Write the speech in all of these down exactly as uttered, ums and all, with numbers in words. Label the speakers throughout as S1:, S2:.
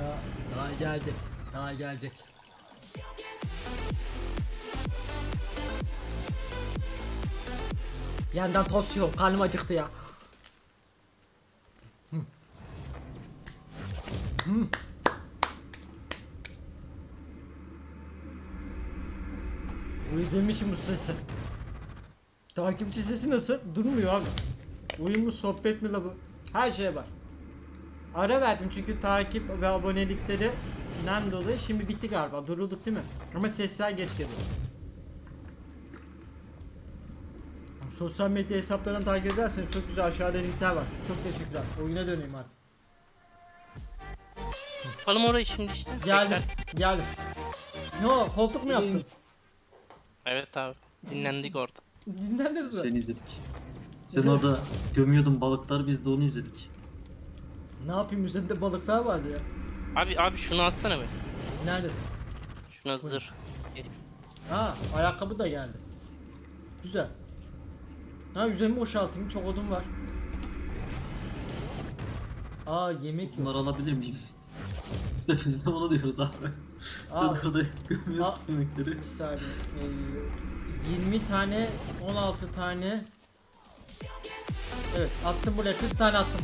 S1: Daha, daha gelecek. Daha gelecek. Bir yandan tost yok. Karnım acıktı ya. Hı. Hı. Özlemişim bu sesi. Takipçi sesi nasıl? Durmuyor abi. Oyun mu, sohbet mi la bu? Her şeye var. Ara verdim çünkü takip ve aboneliklerinden dolayı şimdi bitti galiba. Durulduk değil mi? Ama sesler geç geliyor. Sosyal medya hesaplarını takip ederseniz çok güzel aşağıda linkler var. Çok teşekkürler. Oyuna döneyim artık.
S2: Yapalım orayı şimdi işte.
S1: Geldim.
S2: Bekler.
S1: Geldim. Ne o? Koltuk mu yaptın?
S2: Evet abi. Dinlendik orada.
S1: Dinlendiniz mi?
S3: Seni izledik. Sen
S1: Evet.
S3: orada gömüyordun balıklar, biz de onu izledik.
S1: Ne yapayım, üzerinde balıklar vardı ya.
S2: Abi abi şunu alsana be.
S1: Neredesin?
S2: Şuna zırh.
S1: Ha, ayakkabı da geldi. Güzel. Ha, üzerimi boşaltayım, çok odun var. Aa, yemek yok.
S3: Bunları alabilir miyim? İşte biz de onu diyoruz abi. Sen
S1: Al.
S3: orada gömüyorsun
S1: Al.
S3: yemekleri.
S1: Bir saniye. Ee, yirmi tane, on altı tane. Evet, attım buraya, kırk tane attım.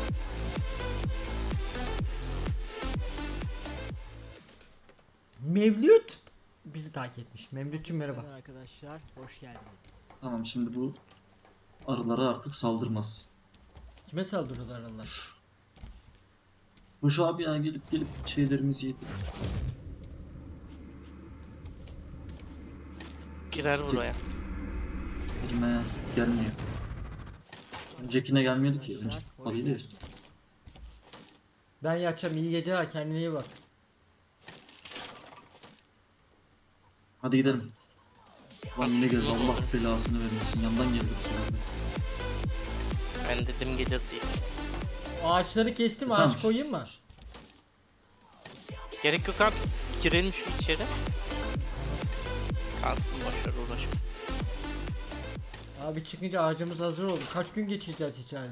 S1: Mevlüt bizi takip etmiş. Mevlütçüm merhaba. Arkadaşlar, hoş geldiniz.
S3: Tamam, şimdi bu arılara artık saldırmaz.
S1: Kime saldırıyorlar Allah?
S3: Bu şu abi ya, gelip gelip şeylerimizi yedi.
S2: Girer buraya.
S3: Elime yaz gelmiyor. Öncekine gelmiyordu ki. Önce
S1: Hoş
S3: alıyla
S1: geldin.
S3: üstü.
S1: Ben yatacağım, iyi geceler, kendine iyi bak.
S3: Hadi gidelim. Lan yine geldi, Allah belasını vermesin. Yandan geldi bu sefer de.
S2: Ben dedim gelir diye.
S1: Ağaçları kestim,
S3: Tamam.
S1: ağaç koyayım mı?
S2: Gerek yok abi. Girelim şu içeri. Kalsın boşver uğraşma.
S1: Abi çıkınca ağacımız hazır oldu. Kaç gün geçireceğiz içeride?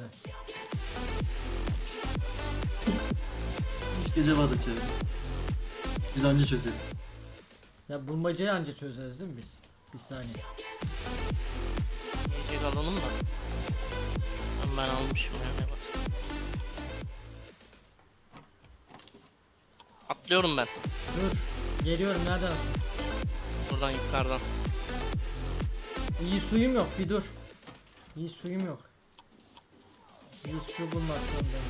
S3: Üç gece var içeride. Biz anca çözeriz.
S1: Ya bulmacayı anca çözeriz değil mi biz? Bir saniye.
S2: Yiyecek alalım da. Ben, ben almışım yani baksana. Atlıyorum ben.
S1: Dur. Geliyorum, nereden?
S2: Buradan yukarıdan.
S1: İyi suyum yok, bir dur. İyi suyum yok. İyi su bulmak zorundayım.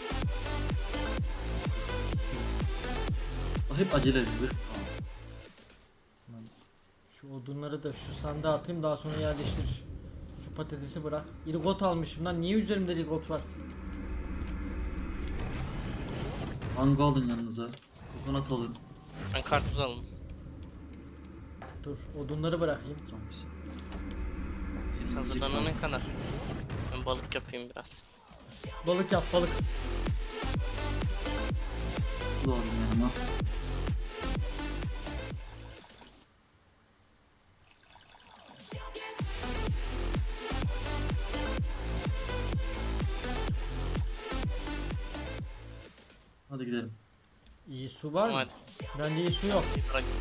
S3: Hep acele edilir.
S1: Tamam. Şu odunları da şu sandığa atayım, daha sonra yerleştir. Şu patatesi bırak. İlgot almışım lan, niye üzerimde ilgot var?
S3: Mango alın yanınıza. Kokonat alın.
S2: Ben karpuz aldım.
S1: Dur, odunları bırakayım.
S3: Zombisi.
S2: Siz hazırlanana kadar. Ben balık yapayım biraz.
S1: Balık yap, balık.
S3: Bu alın yanıma. Hadi gidelim.
S1: İyi su var mı?
S2: Hadi.
S1: Bende iyi su yok.
S2: Bir bırak.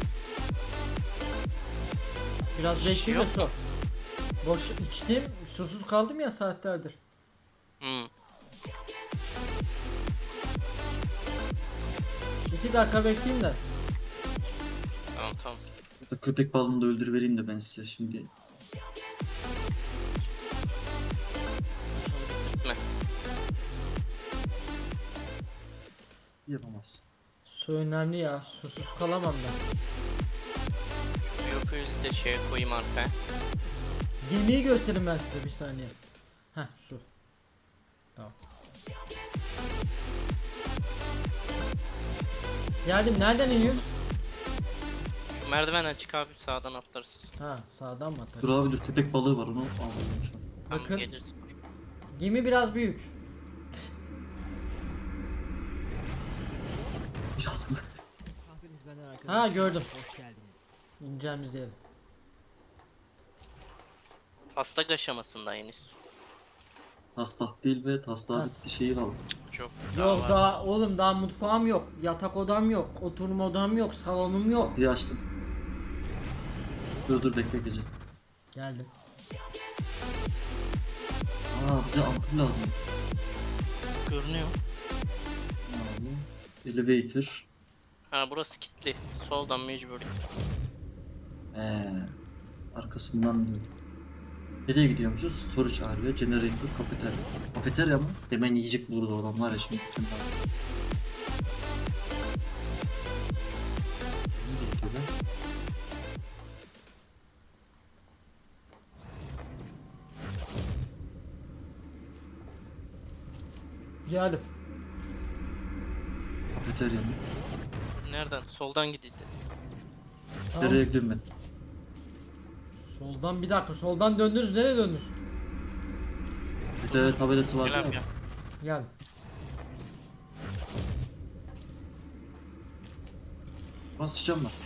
S1: Biraz
S2: Şey
S1: bekleyin de
S2: yok
S1: su. Boş içtim, susuz kaldım ya saatlerdir.
S2: Hmm.
S1: İki dakika bekleyeyim de.
S2: Tamam tamam.
S3: Köpek balığını da öldürüvereyim de ben size şimdi.
S2: Şunu bitirtme.
S3: Yapamaz.
S1: Su önemli ya, susuz kalamam ben.
S2: Biofuel'i de şeye koyayım arkaya.
S1: Gemiyi göstereyim ben size, bir saniye. Heh, su. Tamam. Geldim, nereden iniyoruz?
S2: Şu merdivenden çık abi sağdan atlarız.
S1: Ha, sağdan mı atar?
S3: Dur abi dur, köpek balığı var, onu alalım şu an.
S2: Tamam
S1: Bakın.
S2: gelirsin.
S1: Gemi biraz büyük.
S3: Biraz mı?
S4: Kahveniz benden arkadaşlar.
S1: Ha, gördüm.
S4: Hoş geldiniz.
S1: İneceğimiz yer.
S2: Taslak aşamasında henüz.
S3: Taslak değil ve taslağı
S1: Tas-
S3: bitti şeyi kaldı.
S2: çok.
S1: Yok
S2: var.
S1: daha oğlum daha mutfağım yok. Yatak odam yok. Oturma odam yok. Salonum yok.
S3: Bir açtım. Dur dur bekle gece.
S1: Geldim.
S3: Aa bize ampul lazım.
S2: Görünüyor.
S3: Abi, elevator.
S2: Ha burası kilitli. Soldan mecbur.
S3: Ee, arkasından diyor. Nereye gidiyormuşuz? Storage area, generator, kafeterya. Kafeterya mı? Hemen yiyecek bulurdu oradan var ya şimdi. Bütün daha. Ne diyor lan?
S1: Geldim.
S3: Kafeterya mı?
S2: Nereden? Soldan gidildi.
S1: Tamam.
S3: Nereye gidiyorum ben?
S1: Soldan bir dakika. Soldan döndünüz. Nereye döndünüz?
S3: Bir de tabelası var
S2: Gel abi
S3: ya.
S2: gel.
S1: Geldim.
S3: Basacağım ben.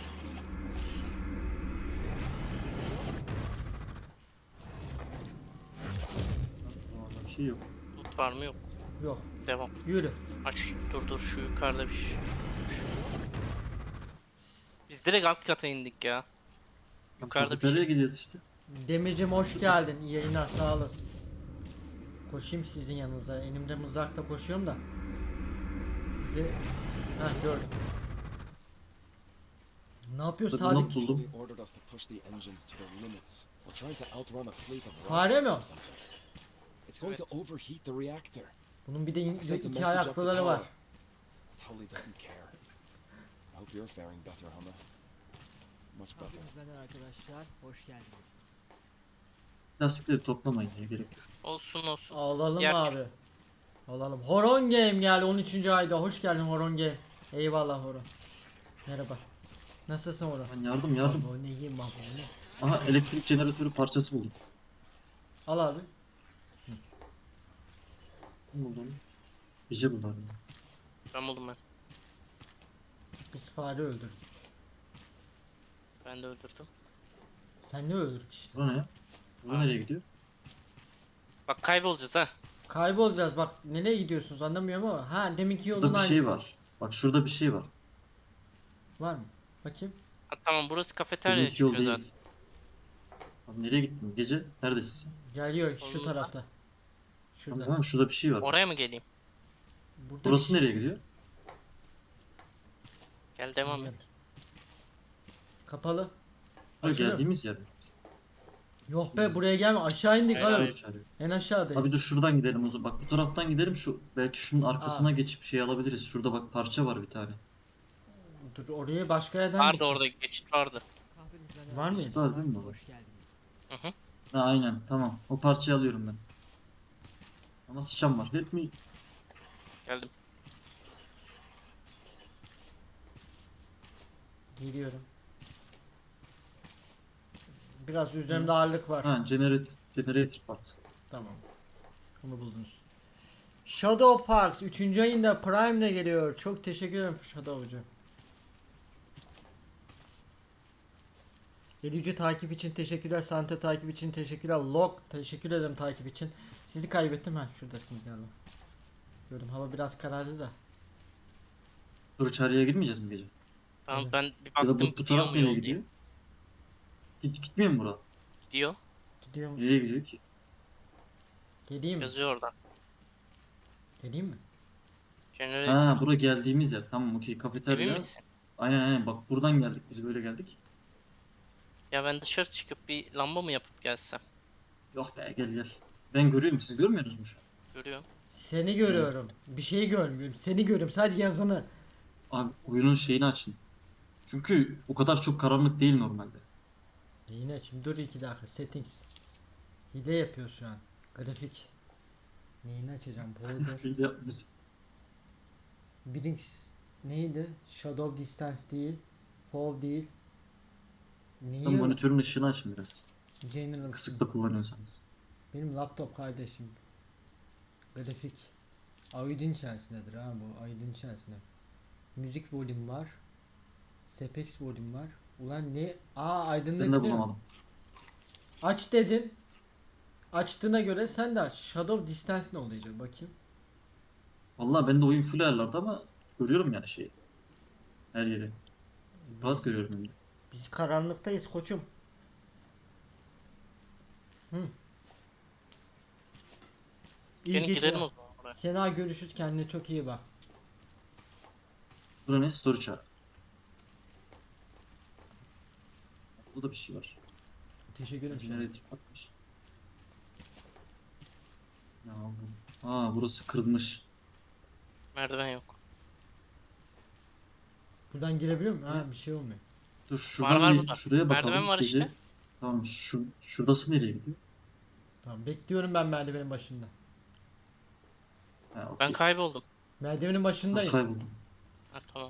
S3: Vallahi bir şey yok.
S2: Loot var mı yok.
S1: Yok.
S2: Devam.
S1: Yürü.
S2: Aç dur dur şu yukarıda bir şey. Biz direkt alt kata indik ya. Yukarıda bir
S3: Kafeteryaya
S2: şey.
S3: gidiyoruz işte.
S1: Demircim hoş geldin. İyi yayınlar sağ olasın. Koşayım sizin yanınıza. Elimde mızrakla koşuyorum da. Sizi... Heh gördüm. Ne yapıyor
S3: Dur,
S1: Sadık?
S3: not buldum.
S5: They ordered us to push the engines to their limits. We're trying to outrun a fleet of
S1: Fare mi o?
S5: rockets or something. It's going to overheat the reactor.
S1: Bunun bir de in-
S5: I sent a
S1: iki
S5: message up the
S1: ayaklıları var.
S5: tower. Tully doesn't care. I hope you're faring better, Hummer. Much better.
S4: Kahveniz benden arkadaşlar. Hoş geldiniz.
S3: Lastikleri toplamayın ya gerek yok.
S2: Olsun olsun.
S1: Alalım
S2: Yer
S1: abi. Alalım. Horon Game geldi on üçüncü ayda. Hoş geldin Horon Game. Eyvallah Horon. Merhaba. Nasılsın Horon?
S3: Ben yardım yardım.
S1: Baba ne yiyeyim baba ne?
S3: Aha elektrik jeneratörü parçası buldum.
S1: Al abi.
S3: Ne buldum? Gece bunlar. ya.
S2: Ben buldum ben.
S1: Biz fare öldürdük.
S2: Ben de öldürdüm.
S1: Sen ne öldürdük işte.
S3: Bura ne ya? Bura nereye gidiyor?
S2: Bak kaybolacağız ha.
S1: Kaybolacağız bak nereye gidiyorsunuz anlamıyorum ama. Ha deminki yolun
S3: Burada bir şey
S1: aynısı.
S3: var. Bak şurada bir şey var.
S1: Var mı? Bakayım.
S2: Ha, tamam burası kafeterya
S3: Deminki yol
S2: çıkıyor
S3: değil.
S2: zaten.
S3: Abi nereye gittin? Gece neredesin sen?
S1: Geliyor şu
S2: Solunda.
S1: tarafta.
S3: Tamam,
S1: Şurada.
S3: tamam şurada bir şey var.
S2: Oraya mı geleyim?
S1: Burada
S3: Burası
S1: bir şey-
S3: nereye gidiyor?
S2: Gel devam et.
S1: Kapalı.
S3: Ha,
S1: Açılıyor.
S3: geldiğimiz yer.
S1: Yok be buraya gelme aşağı indik
S2: Hayır,
S1: oğlum.
S2: hayır.
S3: Çağırıyor.
S1: En aşağıdayız.
S3: Abi dur şuradan gidelim o zaman. Bak bu taraftan gidelim şu belki şunun arkasına geçip şey alabiliriz. Şurada bak parça var bir tane.
S1: Dur oraya başka yerden
S2: Vardı
S1: gitsin.
S2: orada geçit vardı.
S4: Kahveniz benden
S1: Var mıydı?
S4: arkadaşlar.
S3: Var değil mi?
S4: Hoş geldiniz.
S2: Hı hı.
S3: Ha aynen tamam. O parçayı alıyorum ben. Ama sıçan var. Help me.
S2: Geldim.
S1: Geliyorum. Biraz üzerimde ağırlık var.
S3: Ha generator, generator part.
S1: Tamam. Bunu buldunuz. Shadow Parks üçüncü ayında Prime ile geliyor. Çok teşekkür ederim Shadow'cu. Elüce takip için teşekkürler. Sante takip için teşekkürler. Log teşekkür ederim takip için. Sizi kaybettim ha şuradasınız galiba. Gördüm hava biraz karardı da.
S3: Dur içeriye girmeyeceğiz mi gece?
S2: Tamam
S1: Evet.
S2: ben bir
S3: Ya da
S2: baktım
S3: bu, bu
S2: gidiyor
S3: taraf
S2: mu
S3: nereye
S2: yol
S3: gidiyor?
S2: diye.
S3: Git, gitmiyor mu bura?
S2: Gidiyor.
S1: Gidiyor musun?
S3: Nereye gidiyor ki?
S1: Geleyim mi?
S2: Yazıyor oradan.
S1: Geleyim mi?
S2: Generator.
S3: Ha bura geldiğimiz yer. Tamam okey
S2: Emin
S3: kafeterya.
S2: misin?
S3: Aynen aynen bak buradan geldik biz böyle geldik.
S2: Ya ben dışarı çıkıp bir lamba mı yapıp gelsem?
S3: Yok be gel gel. Ben görüyorum siz görmüyorsunuz mu şu an?
S2: Görüyorum.
S1: Seni görüyorum. Bir şey görmüyorum. Seni görüyorum. Sadece yazını.
S3: Abi oyunun şeyini açın. Çünkü o kadar çok karanlık değil normalde.
S1: Yine şimdi dur iki dakika. Settings. Hile yapıyor şu an. Grafik. Neyini açacağım? Border.
S3: Böyle yapmıyoruz.
S1: Brinks neydi? Shadow Distance değil. Fall değil. Neyi?
S3: Tam monitörün ışığını açın biraz.
S1: General.
S3: Kısıkta kullanıyorsanız.
S1: Benim laptop kardeşim. Grafik. Aydın içerisindedir ha bu. Aydın içerisinde. Müzik volüm var. Sepex volüm var. Ulan ne? Aa aydınlık
S3: Ben de
S1: ne?
S3: bulamadım.
S1: Aç dedin. Açtığına göre sen de aç. Shadow Distance ne oluyor bakayım.
S3: Vallahi ben de oyun full ayarlarda ama görüyorum yani şeyi. Her yeri. Rahat görüyorum hem de.
S1: Biz karanlıktayız koçum. Hı. İyi
S2: Gelin gidelim
S1: geceler.
S2: o zaman buraya.
S1: Sena görüşürüz, kendine çok iyi bak.
S3: Burada ne? Story çağır. Burada bir şey var.
S1: Teşekkür ederim.
S3: Generator bakmış. Ne aldım? Aa burası kırılmış.
S2: Merdiven yok.
S1: Buradan girebiliyor muyum? Ha, bir şey olmuyor.
S3: Dur şuradan
S2: var
S3: bir
S2: burada.
S3: şuraya bakalım.
S2: Merdiven var
S3: Gece-
S2: işte.
S3: Tamam şu şurası nereye gidiyor?
S1: Tamam, bekliyorum ben merdivenin başında.
S3: Ha, okey.
S2: Ben kayboldum.
S1: Merdivenin
S3: Nasıl
S1: başındayım.
S3: kayboldum?
S2: Ha tamam.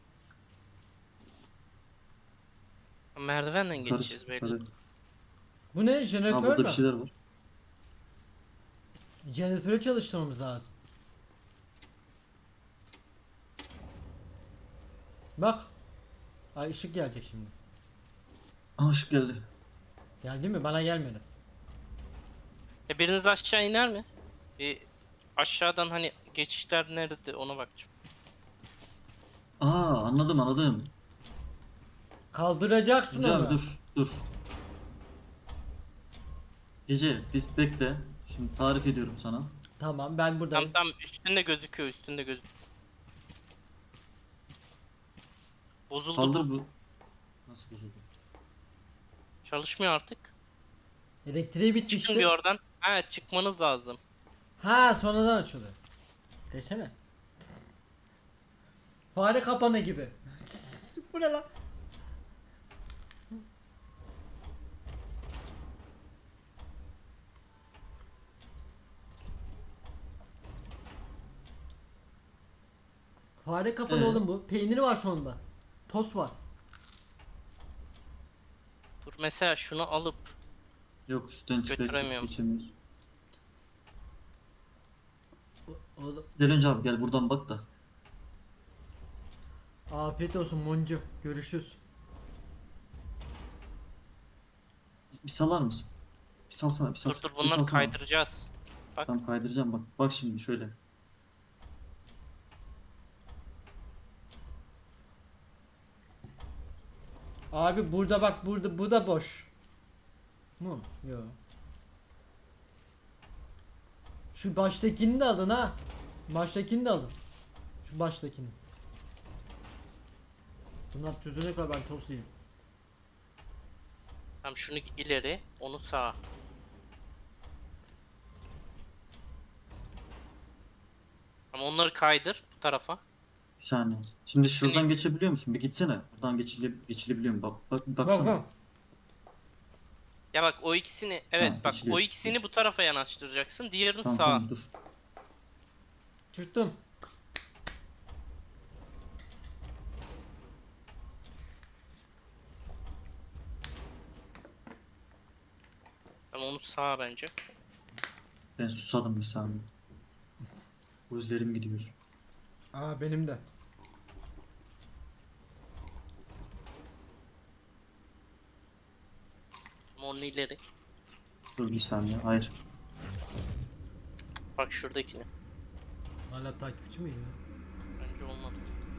S2: Merdivenden
S3: Yukarı
S2: geçeceğiz
S3: çık,
S2: belli.
S3: yukarı.
S1: Bu ne?
S3: Ha
S1: Jeneratör
S3: burada
S1: mü?
S3: bir şeyler var.
S1: Jeneratörü çalıştırmamız lazım. Bak. Ay, ışık gelecek şimdi.
S3: Aa ışık geldi.
S1: Geldi mi? Bana gelmedi.
S2: E biriniz aşağı iner mi? Bir aşağıdan hani geçişler nerede ona bakacağım.
S3: Aa anladım anladım.
S1: Kaldıracaksın
S3: Gece
S1: onu.
S3: abi dur dur. Gece biz bekle. Şimdi tarif ediyorum sana.
S1: Tamam, ben buradayım.
S2: Tam tam üstünde gözüküyor üstünde gözüküyor. Bozuldu
S3: Kaldır
S2: bu.
S3: bu. Nasıl bozuldu?
S2: Çalışmıyor artık.
S1: Elektriği
S2: Çıkın bir
S1: bitmişti.
S2: oradan. Ha çıkmanız lazım.
S1: Ha, sonradan açıldı. Desene. Fare kapanı gibi. Bu ne lan? Fare kapanı
S3: Ee?
S1: oğlum bu. Peyniri var sonunda. Tost var.
S2: Dur mesela şunu alıp
S3: Yok üstten çıkar
S2: Götüremiyorum.
S3: geçemiyoruz.
S1: O- Oğlum.
S3: Gel önce abi gel buradan bak da.
S1: Afiyet olsun Moncu. Görüşürüz.
S3: Bir salar mısın? Bir salsana bir
S2: dur
S3: salsana.
S2: dur
S3: bir
S2: bunları
S3: salsana.
S2: kaydıracağız. Bak
S3: Tamam kaydıracağım bak. Bak şimdi şöyle.
S1: Abi burada bak, burada bu da boş. Mu? Yo. Şu baştakini de alın ha. Baştakini de alın. Şu baştakini. Bunlar çözene kadar ben tost yiyeyim.
S2: tamam şunu ileri onu sağa. Ama onları kaydır bu tarafa.
S3: Bir saniye. Şimdi şuradan
S2: Seni-
S3: geçebiliyor musun? Bir gitsene. Buradan geçile geçilebiliyor mu? Bak bak bir
S1: Bak
S3: baksana.
S1: bak.
S2: Ya bak o ikisini evet
S3: Ha,
S2: bak
S3: geçiliyor.
S2: o ikisini bu tarafa yanaştıracaksın. Diğerini
S3: Tamam
S2: sağa.
S3: tamam dur.
S1: Çıktım.
S2: Tamam onu sağa bence.
S3: Ben susadım bir saniye. Gözlerim gidiyor.
S1: Aa, benim de.
S2: Ama onu ileri.
S3: Dur bir saniye. Hayır.
S2: Bak şuradakini.
S1: Hala takipçi miyim ya?
S2: Bence olmadı.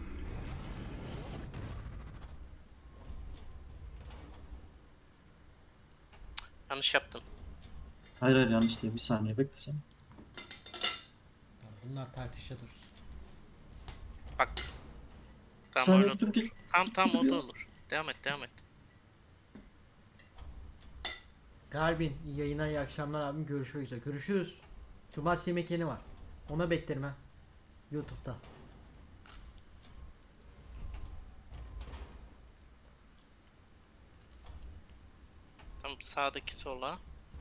S2: Yanlış yaptın.
S3: Hayır hayır yanlış değil. Bir saniye bekle sen.
S1: Bunlar tartışa dursun.
S2: Bak.
S3: Bir
S2: Tamam
S3: saniye
S2: öyle
S3: dur
S2: olur.
S3: gel.
S2: Tamam tamam o
S3: Dur
S2: da
S3: ya.
S2: olur. Devam et devam et.
S1: Garbin, iyi yayınlar, iyi akşamlar abim. Görüşmek üzere. Görüşürüz. Cumartesi yemek yeni var. Ona beklerim ha. YouTube'da.
S2: Tamam sağdaki sola.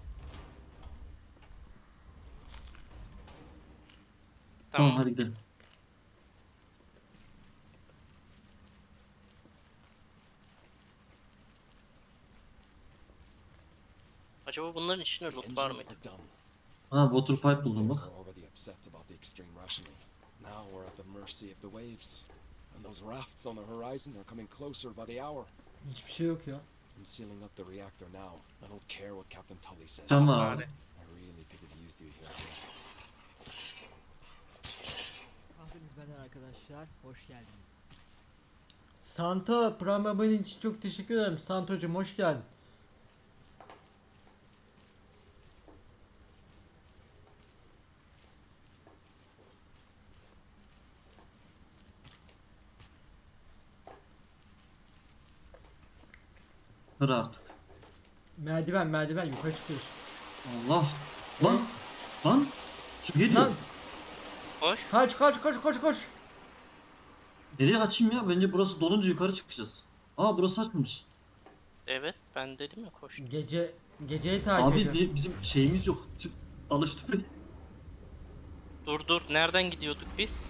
S3: Tamam,
S2: Tamam.
S3: hadi gidelim.
S2: Acaba bunların içinde
S5: The
S2: loot var
S5: engines
S2: mıydı?
S5: are done.
S3: Ha water pipe buldum
S5: Those
S3: bak.
S5: are already upset about the extreme rationing. Now we're at the mercy of the waves. And those rafts on the horizon are coming closer by the hour.
S1: Hiçbir şey yok ya.
S5: I'm sealing up the reactor now. I don't care what Captain Tully says.
S3: Can var
S2: Bari.
S3: abi.
S5: I really could have used you here.
S4: izleyen arkadaşlar, hoş geldiniz.
S1: Santa Prime abone için çok teşekkür ederim. Santocuğum hoş geldin.
S3: Kır artık.
S1: Merdiven merdiven yukarı çıkıyoruz.
S3: Allah. Lan. Lan. Su geliyor.
S1: Lan
S2: Hoş.
S1: kaç kaç kaç koş koş.
S3: Nereye kaçayım ya? Bence burası dolunca yukarı çıkacağız. Aa burası açmış.
S2: Evet ben dedim ya koş.
S1: Gece geceyi takip
S3: Abi
S1: ediyorum.
S3: bi- bizim şeyimiz yok. Çık, alıştık.
S2: Dur dur nereden gidiyorduk biz?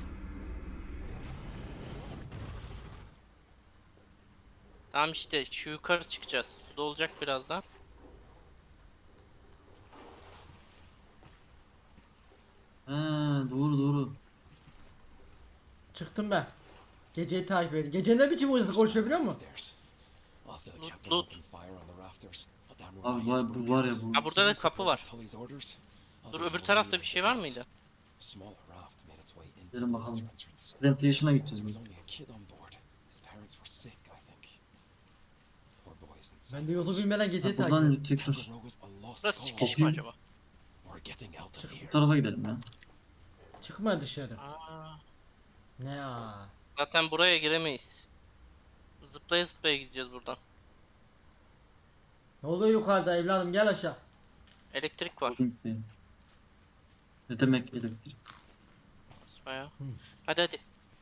S2: Tamam işte şu yukarı çıkacağız. Suda olacak birazdan.
S3: He doğru doğru.
S1: Çıktım ben. Geceyi takip ediyorum. Gece ne biçim hızlı koşuyor biliyor musun?
S5: Stairs. After the
S2: Loot,
S5: captain
S2: loot.
S5: opened fire on the rafters, a damn
S3: Abi
S5: riot
S3: var, bu
S5: broke
S3: var
S5: out.
S3: ya bu.
S2: Ha burada da kapı var.
S5: Tully's orders,
S2: Dur
S5: others
S2: öbür
S5: were
S2: tarafta bir
S5: leading
S2: şey
S5: the
S2: var
S5: boat.
S2: mıydı?
S5: A smaller raft made its way into
S3: Gelin
S5: the
S3: bakalım.
S5: water entrance.
S3: Plantation'a
S5: There
S3: gideceğiz
S5: was
S3: biz.
S5: only a kid on board. His parents were sick, I think. Poor boys in
S1: Ben de yolu bilmeden geceyi
S3: Ha,
S1: takip
S3: buradan
S1: ediyorum.
S3: tekrar
S5: Tangaroga's a lost
S2: Burası
S5: cause.
S2: çıkış mı acaba?
S5: We're getting out of
S3: bu
S5: here.
S3: tarafa gidelim ya.
S1: Çıkma dışarı.
S2: Aa,
S1: Ne aa.
S2: zaten buraya giremeyiz. Zıplaya zıplaya gideceğiz buradan.
S1: Ne oluyor yukarıda evladım gel aşağı.
S2: Elektrik var.
S3: Gidelim. Ne demek elektrik?
S2: Basmaya. Hadi hadi.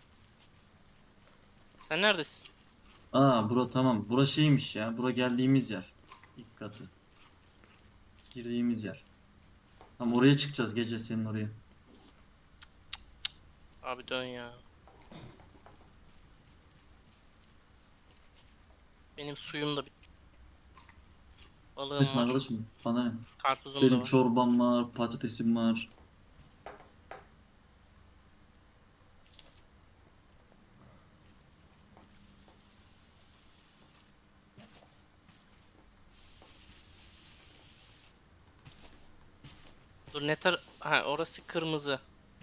S2: Sen neredesin?
S3: Aa bura tamam. Bura şeymiş ya. Bura geldiğimiz yer. İlk katı. Girdiğimiz yer. Tamam oraya çıkacağız gece senin oraya.
S2: Abi dön ya. Benim suyum da bit. Balığım
S3: Nesin
S2: var.
S3: arkadaşım? Bana ne?
S2: Karpuzum da
S3: Benim
S2: var.
S3: çorbam var, patatesim var.
S2: Dur ne tar... Ha orası kırmızı.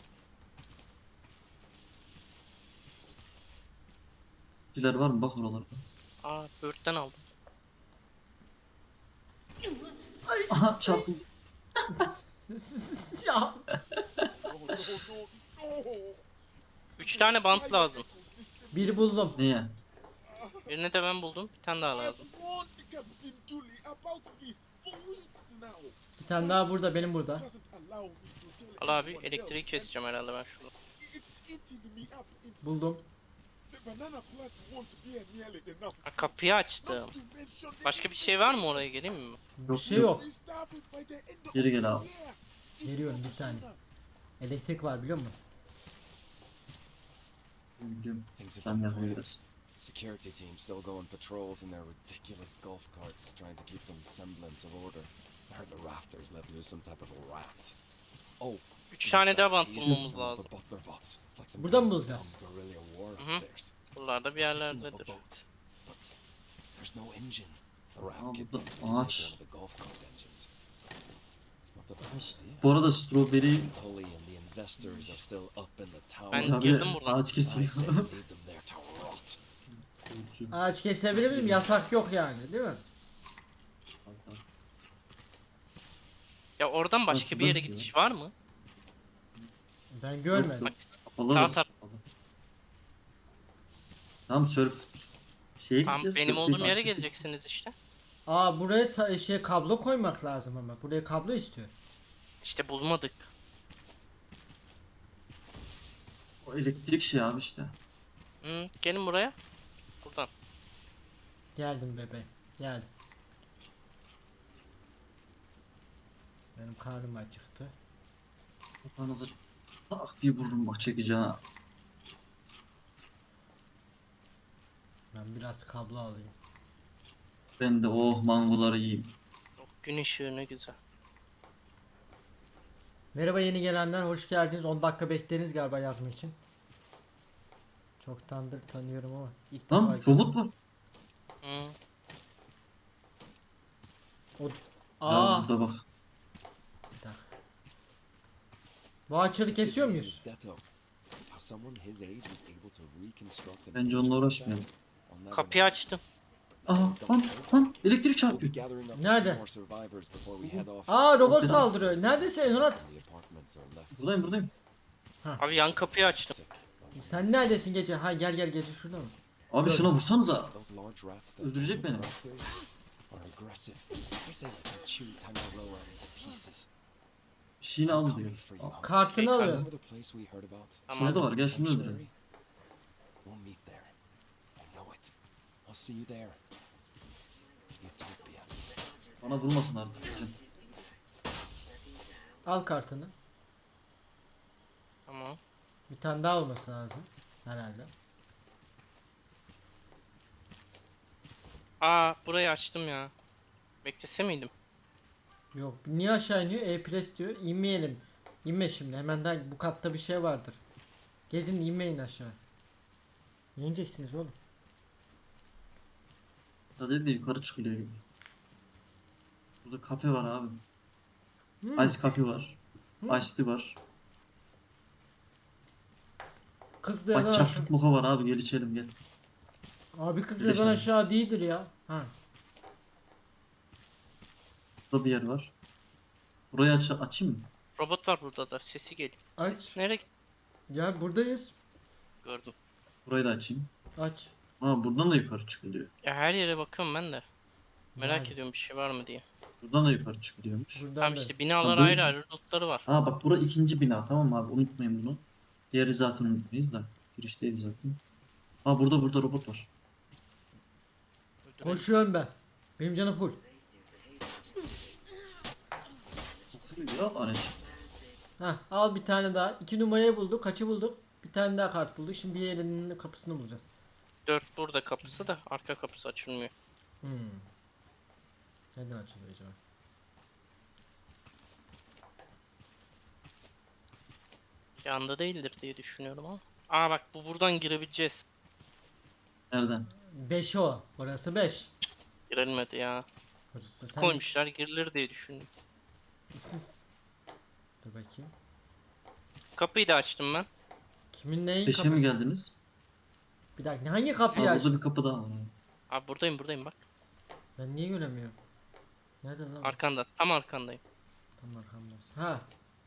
S3: Şeyler var mı? Bak oralara.
S2: Aa böğürtlen aldım.
S3: Aha çarpıldı.
S1: Ya.
S2: Üç tane bant lazım.
S1: Biri buldum.
S3: Neye?
S2: Birini de ben buldum. Bir tane daha lazım.
S1: Bir tane daha burada benim burada.
S2: Al abi elektriği keseceğim herhalde ben şurada.
S1: Buldum.
S2: Ha, kapıyı açtım. Başka bir şey var mı oraya geleyim mi?
S1: Bir şey yok.
S3: Geri gel abi.
S1: Geliyorum bir saniye. Elektrik var biliyor musun?
S3: Biliyorum.
S5: Things have
S3: Sen
S5: been
S3: yapma
S5: quiet.
S3: biraz.
S5: Security team still going patrols in their ridiculous golf carts, trying to keep some semblance of order. I heard the rafters let loose some type of a rat. Oh,
S2: Üç tane daha bant
S5: These
S2: bulmamız
S5: are some of the
S2: lazım.
S5: butler bots. It's like some
S1: Buradan mı
S5: kind of
S1: bulacağız?
S5: dumb guerrilla war
S2: Hı hı.
S5: upstairs.
S2: Buralarda bir
S5: Fixing up a
S2: yerlerdedir.
S5: boat, but there's no engine. The raft
S3: Aa,
S5: kit
S3: burada
S5: thinks we can make
S3: ağaç.
S5: one of the golf cart engines. It's not the best idea.
S3: Bu arada strawberry
S5: Tully and the investors are still up in the tower.
S2: Ben
S3: Abi,
S2: girdim buradan.
S3: ağaç
S5: I say
S3: kesiyor.
S5: leave them there to rot.
S1: Ağaç kesebilir miyim? Yasak yok yani değil mi?
S2: Ya oradan başka
S3: Nasıl
S2: bir yere
S3: nasıl ya?
S2: gidiş var mı?
S1: Ben görmedim.
S2: Bak
S3: Kapalı
S2: Sağ
S3: orası,
S2: taraf.
S3: kapalı. Tamam surf şeye
S2: tam
S3: gideceğiz.
S2: benim
S3: surf
S2: olduğum yere
S3: tesisine
S2: geleceksiniz işte.
S1: Aa buraya ta- şey kablo koymak lazım ama. Buraya kablo istiyor.
S2: İşte bulmadık.
S3: O elektrik şey abi işte.
S2: Hı, gelin buraya. Buradan.
S1: Geldim bebeğim. Geldim. Benim karnım acıktı.
S3: Kafanızı tak diye vururum bak çekeceğim. ha.
S1: Ben biraz kablo alayım.
S3: Ben de oh mangoları yiyeyim.
S2: Oh, gün ışığı ne güzel.
S1: Merhaba yeni gelenler hoş geldiniz. on dakika bekleriz galiba yazma için. Çoktandır tanıyorum ama ilk
S3: Lan
S1: defa
S3: robot var.
S2: Hı.
S1: O...
S3: Ya
S1: Aa,
S3: burada bak.
S1: bir dakika. Bu ağaçları kesiyor muyuz?
S5: Detto. If someone his age was able to reconstruct an
S3: Bence
S5: age
S3: onunla
S5: like
S3: uğraşmayalım.
S5: that, I'll never
S2: Kapıyı
S5: know.
S2: açtım.
S3: Aha lan lan elektrik
S5: We'll be
S3: çarpıyor.
S5: gathering up a
S1: Nerede?
S5: few more survivors before we head off.
S1: Aa robot
S3: Çok
S1: saldırıyor. Neredesin Enonat?
S5: The apartments are left to
S3: Buradayım
S5: see.
S3: buradayım.
S2: Abi yan kapıyı açtım.
S5: Sick.
S1: Sen neredesin gece? Ha gel gel gece şurada mı?
S3: Abi
S1: Gör.
S3: şuna vursanıza.
S5: Those large rats that
S3: Öldürecek
S5: live
S3: beni.
S5: in rafters are aggressive. I say let them chew Tamaroa into pieces.
S3: Bir şeyini
S5: I'm
S3: al
S5: coming
S3: diyor.
S5: for you.
S3: Aa,
S1: Kartını
S2: Okey,
S1: alıyor.
S5: Remember the place we heard about?
S2: Tamam.
S3: Şurada var gel şunu
S5: Sanctuary?
S3: öldürelim.
S5: We'll meet there. I know it. I'll see you there. Utopia.
S3: Bana vurmasın artık.
S1: Al kartını.
S2: Tamam.
S1: Bir tane daha olması lazım. Herhalde.
S2: Aa burayı açtım ya. Beklese miydim?
S1: Yok. Niye aşağı iniyor? E-Press diyor. İnmeyelim. İnme şimdi. Hemen daha bu katta bir şey vardır. Gezin inmeyin aşağı. İneceksiniz oğlum.
S3: Da dedi yukarı çıkılıyor gibi. Burada kafe var abi.
S1: Hmm.
S3: Ice kafe var.
S1: Hmm.
S3: Ice tea var.
S1: kırk
S3: Bak
S1: liradan aşağı.
S3: çaklık moka var abi gel içelim gel.
S1: Abi kırk
S3: Birleşelim.
S1: liradan aşağı değildir ya. Ha.
S3: Burada bir yer var. Burayı aç açayım mı?
S2: Robot var burada da. Sesi geliyor.
S1: Aç.
S2: Nereye git?
S1: Ya buradayız.
S2: Gördüm.
S3: Burayı da açayım.
S1: Aç.
S3: Aa buradan da yukarı çıkılıyor.
S2: Ya her yere bakıyorum ben de. Merak
S1: Yani,
S2: ediyorum bir şey var mı diye.
S3: Buradan da yukarı çıkılıyormuş.
S1: Buradan
S2: Tamam
S1: da.
S2: işte binalar
S3: Ha, bu-
S2: ayrı ayrı lootları var.
S3: Aa bak bura ikinci bina tamam mı abi unutmayın bunu. Diğeri zaten unutmayız da. Girişteyiz zaten. Aa burada burada robot var.
S2: Öldürelim.
S1: Koşuyorum ben. Benim canım full.
S3: Ya anneciğim.
S1: Ha, al bir tane daha. İki numarayı bulduk. Kaçı bulduk? Bir tane daha kart bulduk. Şimdi bir yerinin kapısını bulacağız.
S2: Dört burada kapısı da arka kapısı açılmıyor.
S1: Hmm. Neden açılıyor acaba?
S2: Yanda değildir diye düşünüyorum ama. Aa bak bu buradan girebileceğiz.
S3: Nereden?
S1: beş o. Orası beş.
S2: Girilmedi ya.
S1: Orası sen
S2: Koymuşlar girilir diye düşündüm.
S1: Dur bakayım.
S2: Kapıyı da açtım ben.
S1: Kimin neyin
S3: Beşe
S1: kapısı?
S3: mi geldiniz?
S1: Bir dakika hangi
S3: Aa
S1: kapıyı
S3: burada
S1: açtın?
S3: bir kapı daha var.
S2: Abi buradayım buradayım bak.
S1: Ben niye göremiyorum? Nerede lan?
S2: Arkanda tam arkandayım.
S1: Tam arkamdasın. Ha.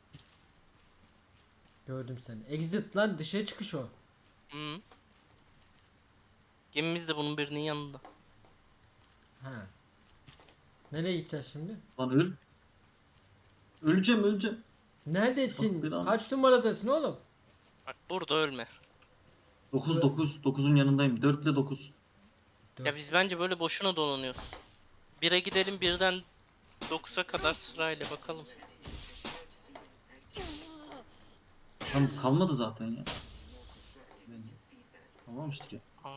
S1: Gördüm seni. Exit lan dışarı çıkış o.
S2: Hı. Gemimiz de bunun birinin yanında.
S1: Ha. Nereye gideceğiz şimdi?
S3: Lan öl. Öleceğim öleceğim.
S1: Neredesin?
S3: Bak bir an-
S1: Kaç numaradasın oğlum?
S2: Bak burada ölme.
S3: dokuz dokuz dokuzun yanındayım. dört ile dokuz.
S2: Ya biz bence böyle boşuna dolanıyoruz. Bire gidelim birden dokuza kadar sırayla bakalım.
S3: Tam kalmadı zaten ya. Kalmamıştık ya.
S2: Aa.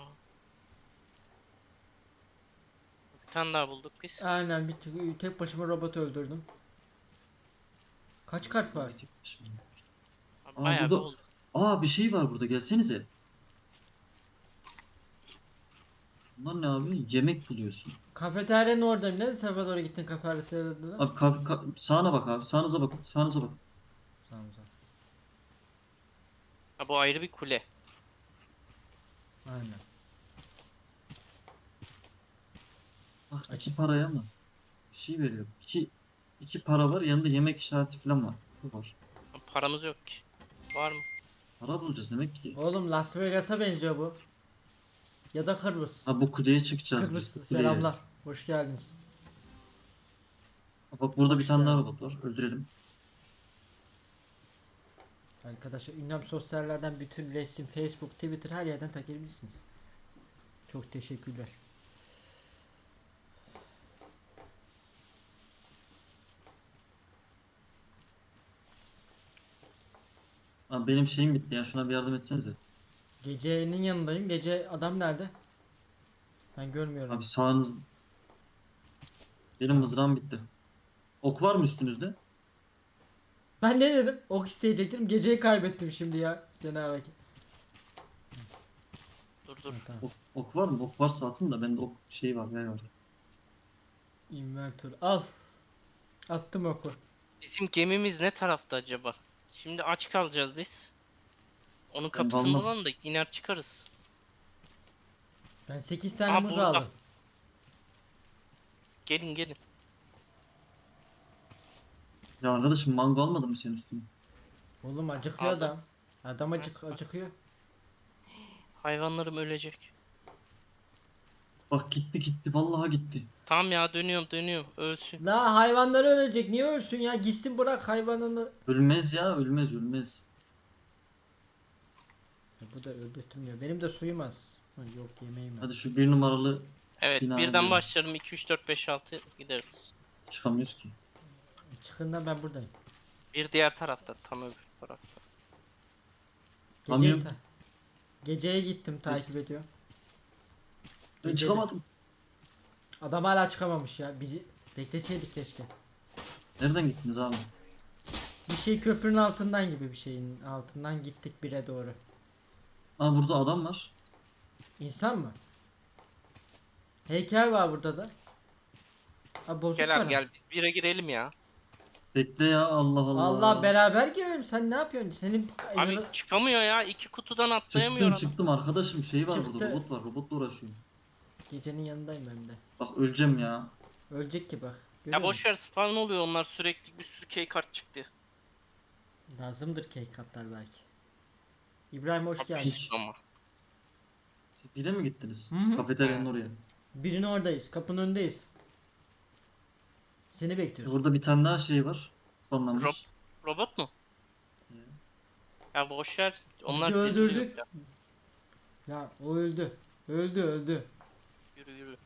S2: Bir tane daha bulduk biz.
S1: Aynen bir tek- tek başıma robot öldürdüm. Kaç kart var?
S3: Bitik şimdi.
S2: Abi
S3: Aa,
S2: bayağı bir
S3: burada-
S2: oldu.
S3: Aa bir şey var burada gelsenize. Bunlar ne abi? Yemek buluyorsun.
S1: Kafeteryanın oradayım. Ne tarafa doğru gittin kafeteryadan?
S3: Abi ka- ka- sağına bak abi. Sağınıza bakın. Sağınıza bakın.
S1: Sağ ol, sağ ol.
S2: Ha bu ayrı bir kule.
S1: Aynen.
S3: Bak iki paraya mı? Bir şey veriyor. İki, iki para var. Yanında yemek işareti falan var. Bu var.
S2: Ha, paramız yok ki. Var mı?
S3: Para bulacağız demek ki.
S1: Oğlum Las Vegas'a benziyor bu. Ya da Kıbrıs.
S3: Ha bu kuleye çıkacağız
S1: Kıbrıs
S3: biz. Kuleye.
S1: selamlar. Hoş geldiniz.
S3: Bak burada bir
S1: Hoş
S3: tane daha
S1: geldin.
S3: robot var. Öldürelim.
S1: Arkadaşlar ünlem sosyallerden bütün resim, Facebook, Twitter her yerden takabilirsiniz. Çok teşekkürler.
S3: Abi benim şeyim bitti ya. Şuna bir yardım etsenize.
S1: Gecenin yanındayım. Gece adam nerede? Ben görmüyorum.
S3: Abi sağınız... Benim mızrağım bitti. Ok var mı üstünüzde?
S1: Ben ne dedim? Ok isteyecektim. Geceyi kaybettim şimdi ya. Sena bak.
S2: Dur dur.
S1: Tamam.
S3: Ok, ok var mı? Ok varsa atın da bende ok şey var. Yay var.
S1: Inventor. Al. Attım oku.
S2: Bizim gemimiz ne tarafta acaba? Şimdi aç kalacağız biz. Onun kapısını
S3: kalmam.
S2: bulalım da iner çıkarız.
S1: Ben sekiz tane
S2: Aa,
S1: muz
S2: burada.
S1: aldım.
S2: Gelin gelin.
S3: Ya arkadaşım mango almadın mı sen üstüne?
S1: Oğlum acıkıyor
S2: Aldım.
S1: adam. Adam acık acıkıyor.
S2: Hayvanlarım ölecek.
S3: Bak gitti gitti vallahi gitti.
S2: Tamam ya, dönüyorum dönüyorum. Ölsün.
S1: La hayvanları ölecek. Niye ölsün ya? Gitsin bırak hayvanını.
S3: Ölmez ya ölmez ölmez.
S1: Ya bu da öldürtmüyor. Benim de suyum az. Ha, yok yemeğim az.
S3: Hadi şu bir numaralı
S2: Evet,
S3: Bina
S2: birden
S3: diyorum.
S2: başlarım. iki üç dört beş altı gideriz.
S3: çıkamıyoruz ki.
S1: Çıkın da ben buradayım.
S2: Bir diğer tarafta, tam öbür tarafta.
S1: Geceyi
S3: Kamyon.
S1: ta- Geceye gittim takip ediyor.
S3: Ben
S1: Gece-
S3: çıkamadım.
S1: Adam hala çıkamamış ya. Bizi bekleseydik keşke.
S3: Nereden gittiniz abi?
S1: Bir şey köprünün altından gibi bir şeyin altından gittik bire doğru.
S3: Aa burada adam var.
S1: İnsan mı? Heykel var burada da. Ha bozuk
S2: Gel
S1: para.
S2: abi gel, biz bire girelim ya.
S3: Bekle ya Allah Allah.
S1: Allah beraber girelim. Sen ne yapıyorsun? Senin
S2: Abi
S1: elini-
S2: çıkamıyor ya, iki kutudan atlayamıyor
S3: Çıktım
S2: adam.
S3: çıktım arkadaşım şey var
S1: Çıktı.
S3: burada robot var robotla uğraşıyorum.
S1: Gecenin yanındayım ben de.
S3: Bak öleceğim ya.
S1: Ölecek ki bak. Görüyor
S2: Ya
S1: musun?
S2: boş ver, spawn oluyor onlar, sürekli bir sürü key kart çıktı.
S1: Lazımdır cake katlar belki. İbrahim hoş
S2: Abi
S1: geldin.
S3: Hiç.
S2: ama.
S3: Siz bire mi gittiniz?
S1: Hı hı.
S3: Kafeteryanın oraya.
S1: Birinin oradayız. Kapının önündeyiz. Seni bekliyoruz.
S3: Burada bir tane daha şey var. Anlamış.
S2: Rob robot mu? Ya boş ver. Onlar
S1: Bizi
S2: deliriyor
S1: öldürdük.
S2: ya.
S1: Ya o öldü. Öldü öldü.
S2: Yürü yürü.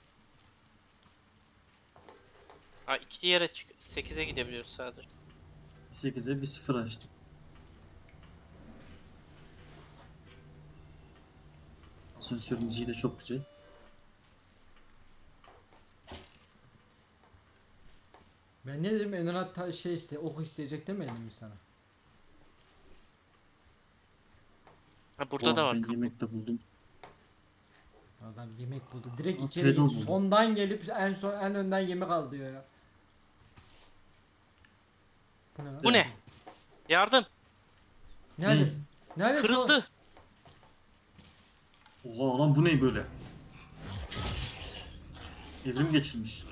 S2: Ha, iki yere çık. sekize gidebiliyoruz sadece.
S3: sekize bir sıfır açtım. Asansör müziği de çok güzel.
S1: Ben ne dedim? Enonat ta- şey iste, ok isteyecek demedim mi sana?
S2: Ha, burada da
S3: Oh,
S2: var
S3: ben
S2: kapı.
S3: yemek de buldum.
S1: Adam yemek buldu. Direkt
S3: Aa,
S1: içeri
S3: pedo
S1: git.
S3: buldu.
S1: Sondan gelip en son en önden yemek al diyor ya. Bu ne lan?
S2: Bu ne? Yardım.
S1: Neredesin? Neredesin?
S2: Kırıldı.
S3: Oha lan bu ne böyle? Evrim geçirmiş.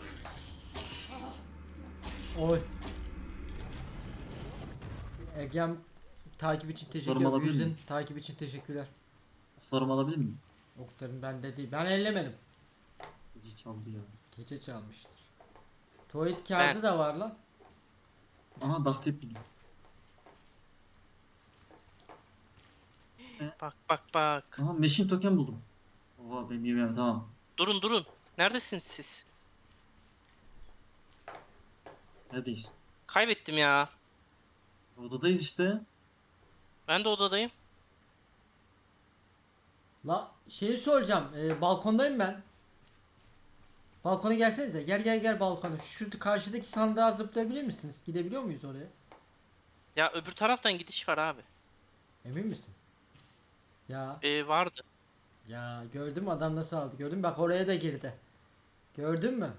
S1: Oy. Egem takip için teşekkür
S3: Sorum
S1: ederim.
S3: alabilir
S1: Yüzün
S3: miyim?
S1: takip için teşekkürler.
S3: Oklarımı alabilir miyim?
S1: Oklarım bende değil. Ben ellemedim.
S3: Gece çaldı ya.
S1: Gece çalmıştır. Tuvalet kağıdı
S2: Ben-
S1: da var lan.
S3: Aha daktip buldum.
S2: Bak bak bak.
S3: Aha meşin token buldum. Oha benim yemeğim tamam.
S2: Durun durun. Neredesiniz siz?
S3: Neredeyiz?
S2: Kaybettim ya.
S3: Odadayız işte.
S2: Ben de odadayım.
S1: La şeyi soracağım. Ee, balkondayım ben. Balkona gelsenize. Gel gel gel balkona. Şu karşıdaki sandığa zıplayabilir misiniz? Gidebiliyor muyuz oraya?
S2: Ya öbür taraftan gidiş var abi.
S1: Emin misin? Ya
S2: Ee, vardı.
S1: ya gördün mü adam nasıl aldı? Gördün mü? Bak oraya da girdi. Gördün mü?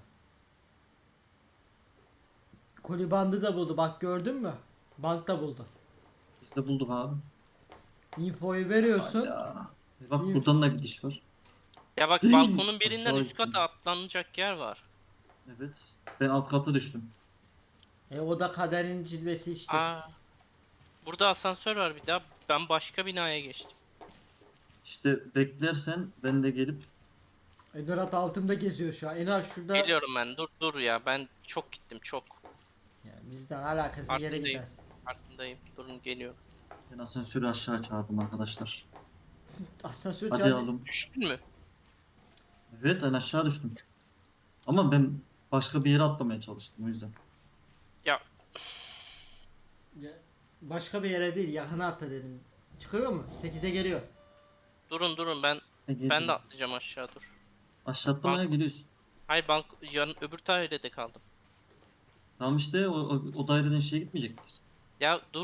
S1: Koli bandı da buldu. Bak gördün mü? Bank da buldu.
S3: Biz de bulduk abi.
S1: Infoyu veriyorsun.
S3: Ya. Bak
S1: İyi.
S3: buradan da gidiş var.
S2: Ya bak,
S3: Hii,
S2: balkonun birinden
S3: aşağı
S2: üst kata atlanacak yer var.
S3: Evet. Ben alt kata düştüm.
S1: E o da kaderin cilvesi işte.
S2: Aa. Burada asansör var bir daha. Ben başka binaya geçtim.
S3: İşte beklersen ben de gelip
S1: Edorat altımda geziyor şu an. Enar şurada.
S2: Geliyorum ben. Dur dur ya. Ben çok gittim çok.
S1: Ya bizden alakasız yere
S2: Farkındayım.
S1: gidersin.
S2: Farkındayım. Durun, geliyorum.
S3: ben asansörü aşağı çağırdım arkadaşlar.
S1: Asansör
S3: Hadi
S1: çağırdı.
S3: oğlum.
S2: Düştün mü?
S3: Evet ben aşağı düştüm. Ama ben başka bir yere atlamaya çalıştım o yüzden.
S2: Ya
S1: Ya, başka bir yere değil yakına atla dedim. Çıkıyor mu? sekize geliyor.
S2: durun durun, ben
S3: E,
S2: ben
S3: geliyorum.
S2: de atlayacağım aşağı, dur.
S3: Aşağı atlamaya
S2: Bak.
S3: geliyorsun.
S2: Hayır, balk yarın öbür dairede kaldım.
S3: Tamam işte o, o, o daireden şeye gitmeyecek miyiz?
S2: Ya dur.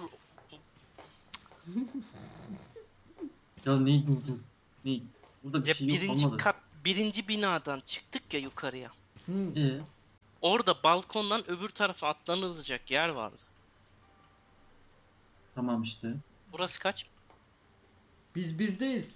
S3: Ya ne durdu? Ne? Burada bir
S2: Ya
S3: şey yok
S2: birinci
S3: olmadı.
S2: kat birinci binadan çıktık ya yukarıya.
S1: Hmm.
S3: Ee,
S2: Orada balkondan öbür tarafa atlanılacak yer vardı.
S3: tamam işte.
S2: Burası kaç?
S1: Biz birdeyiz.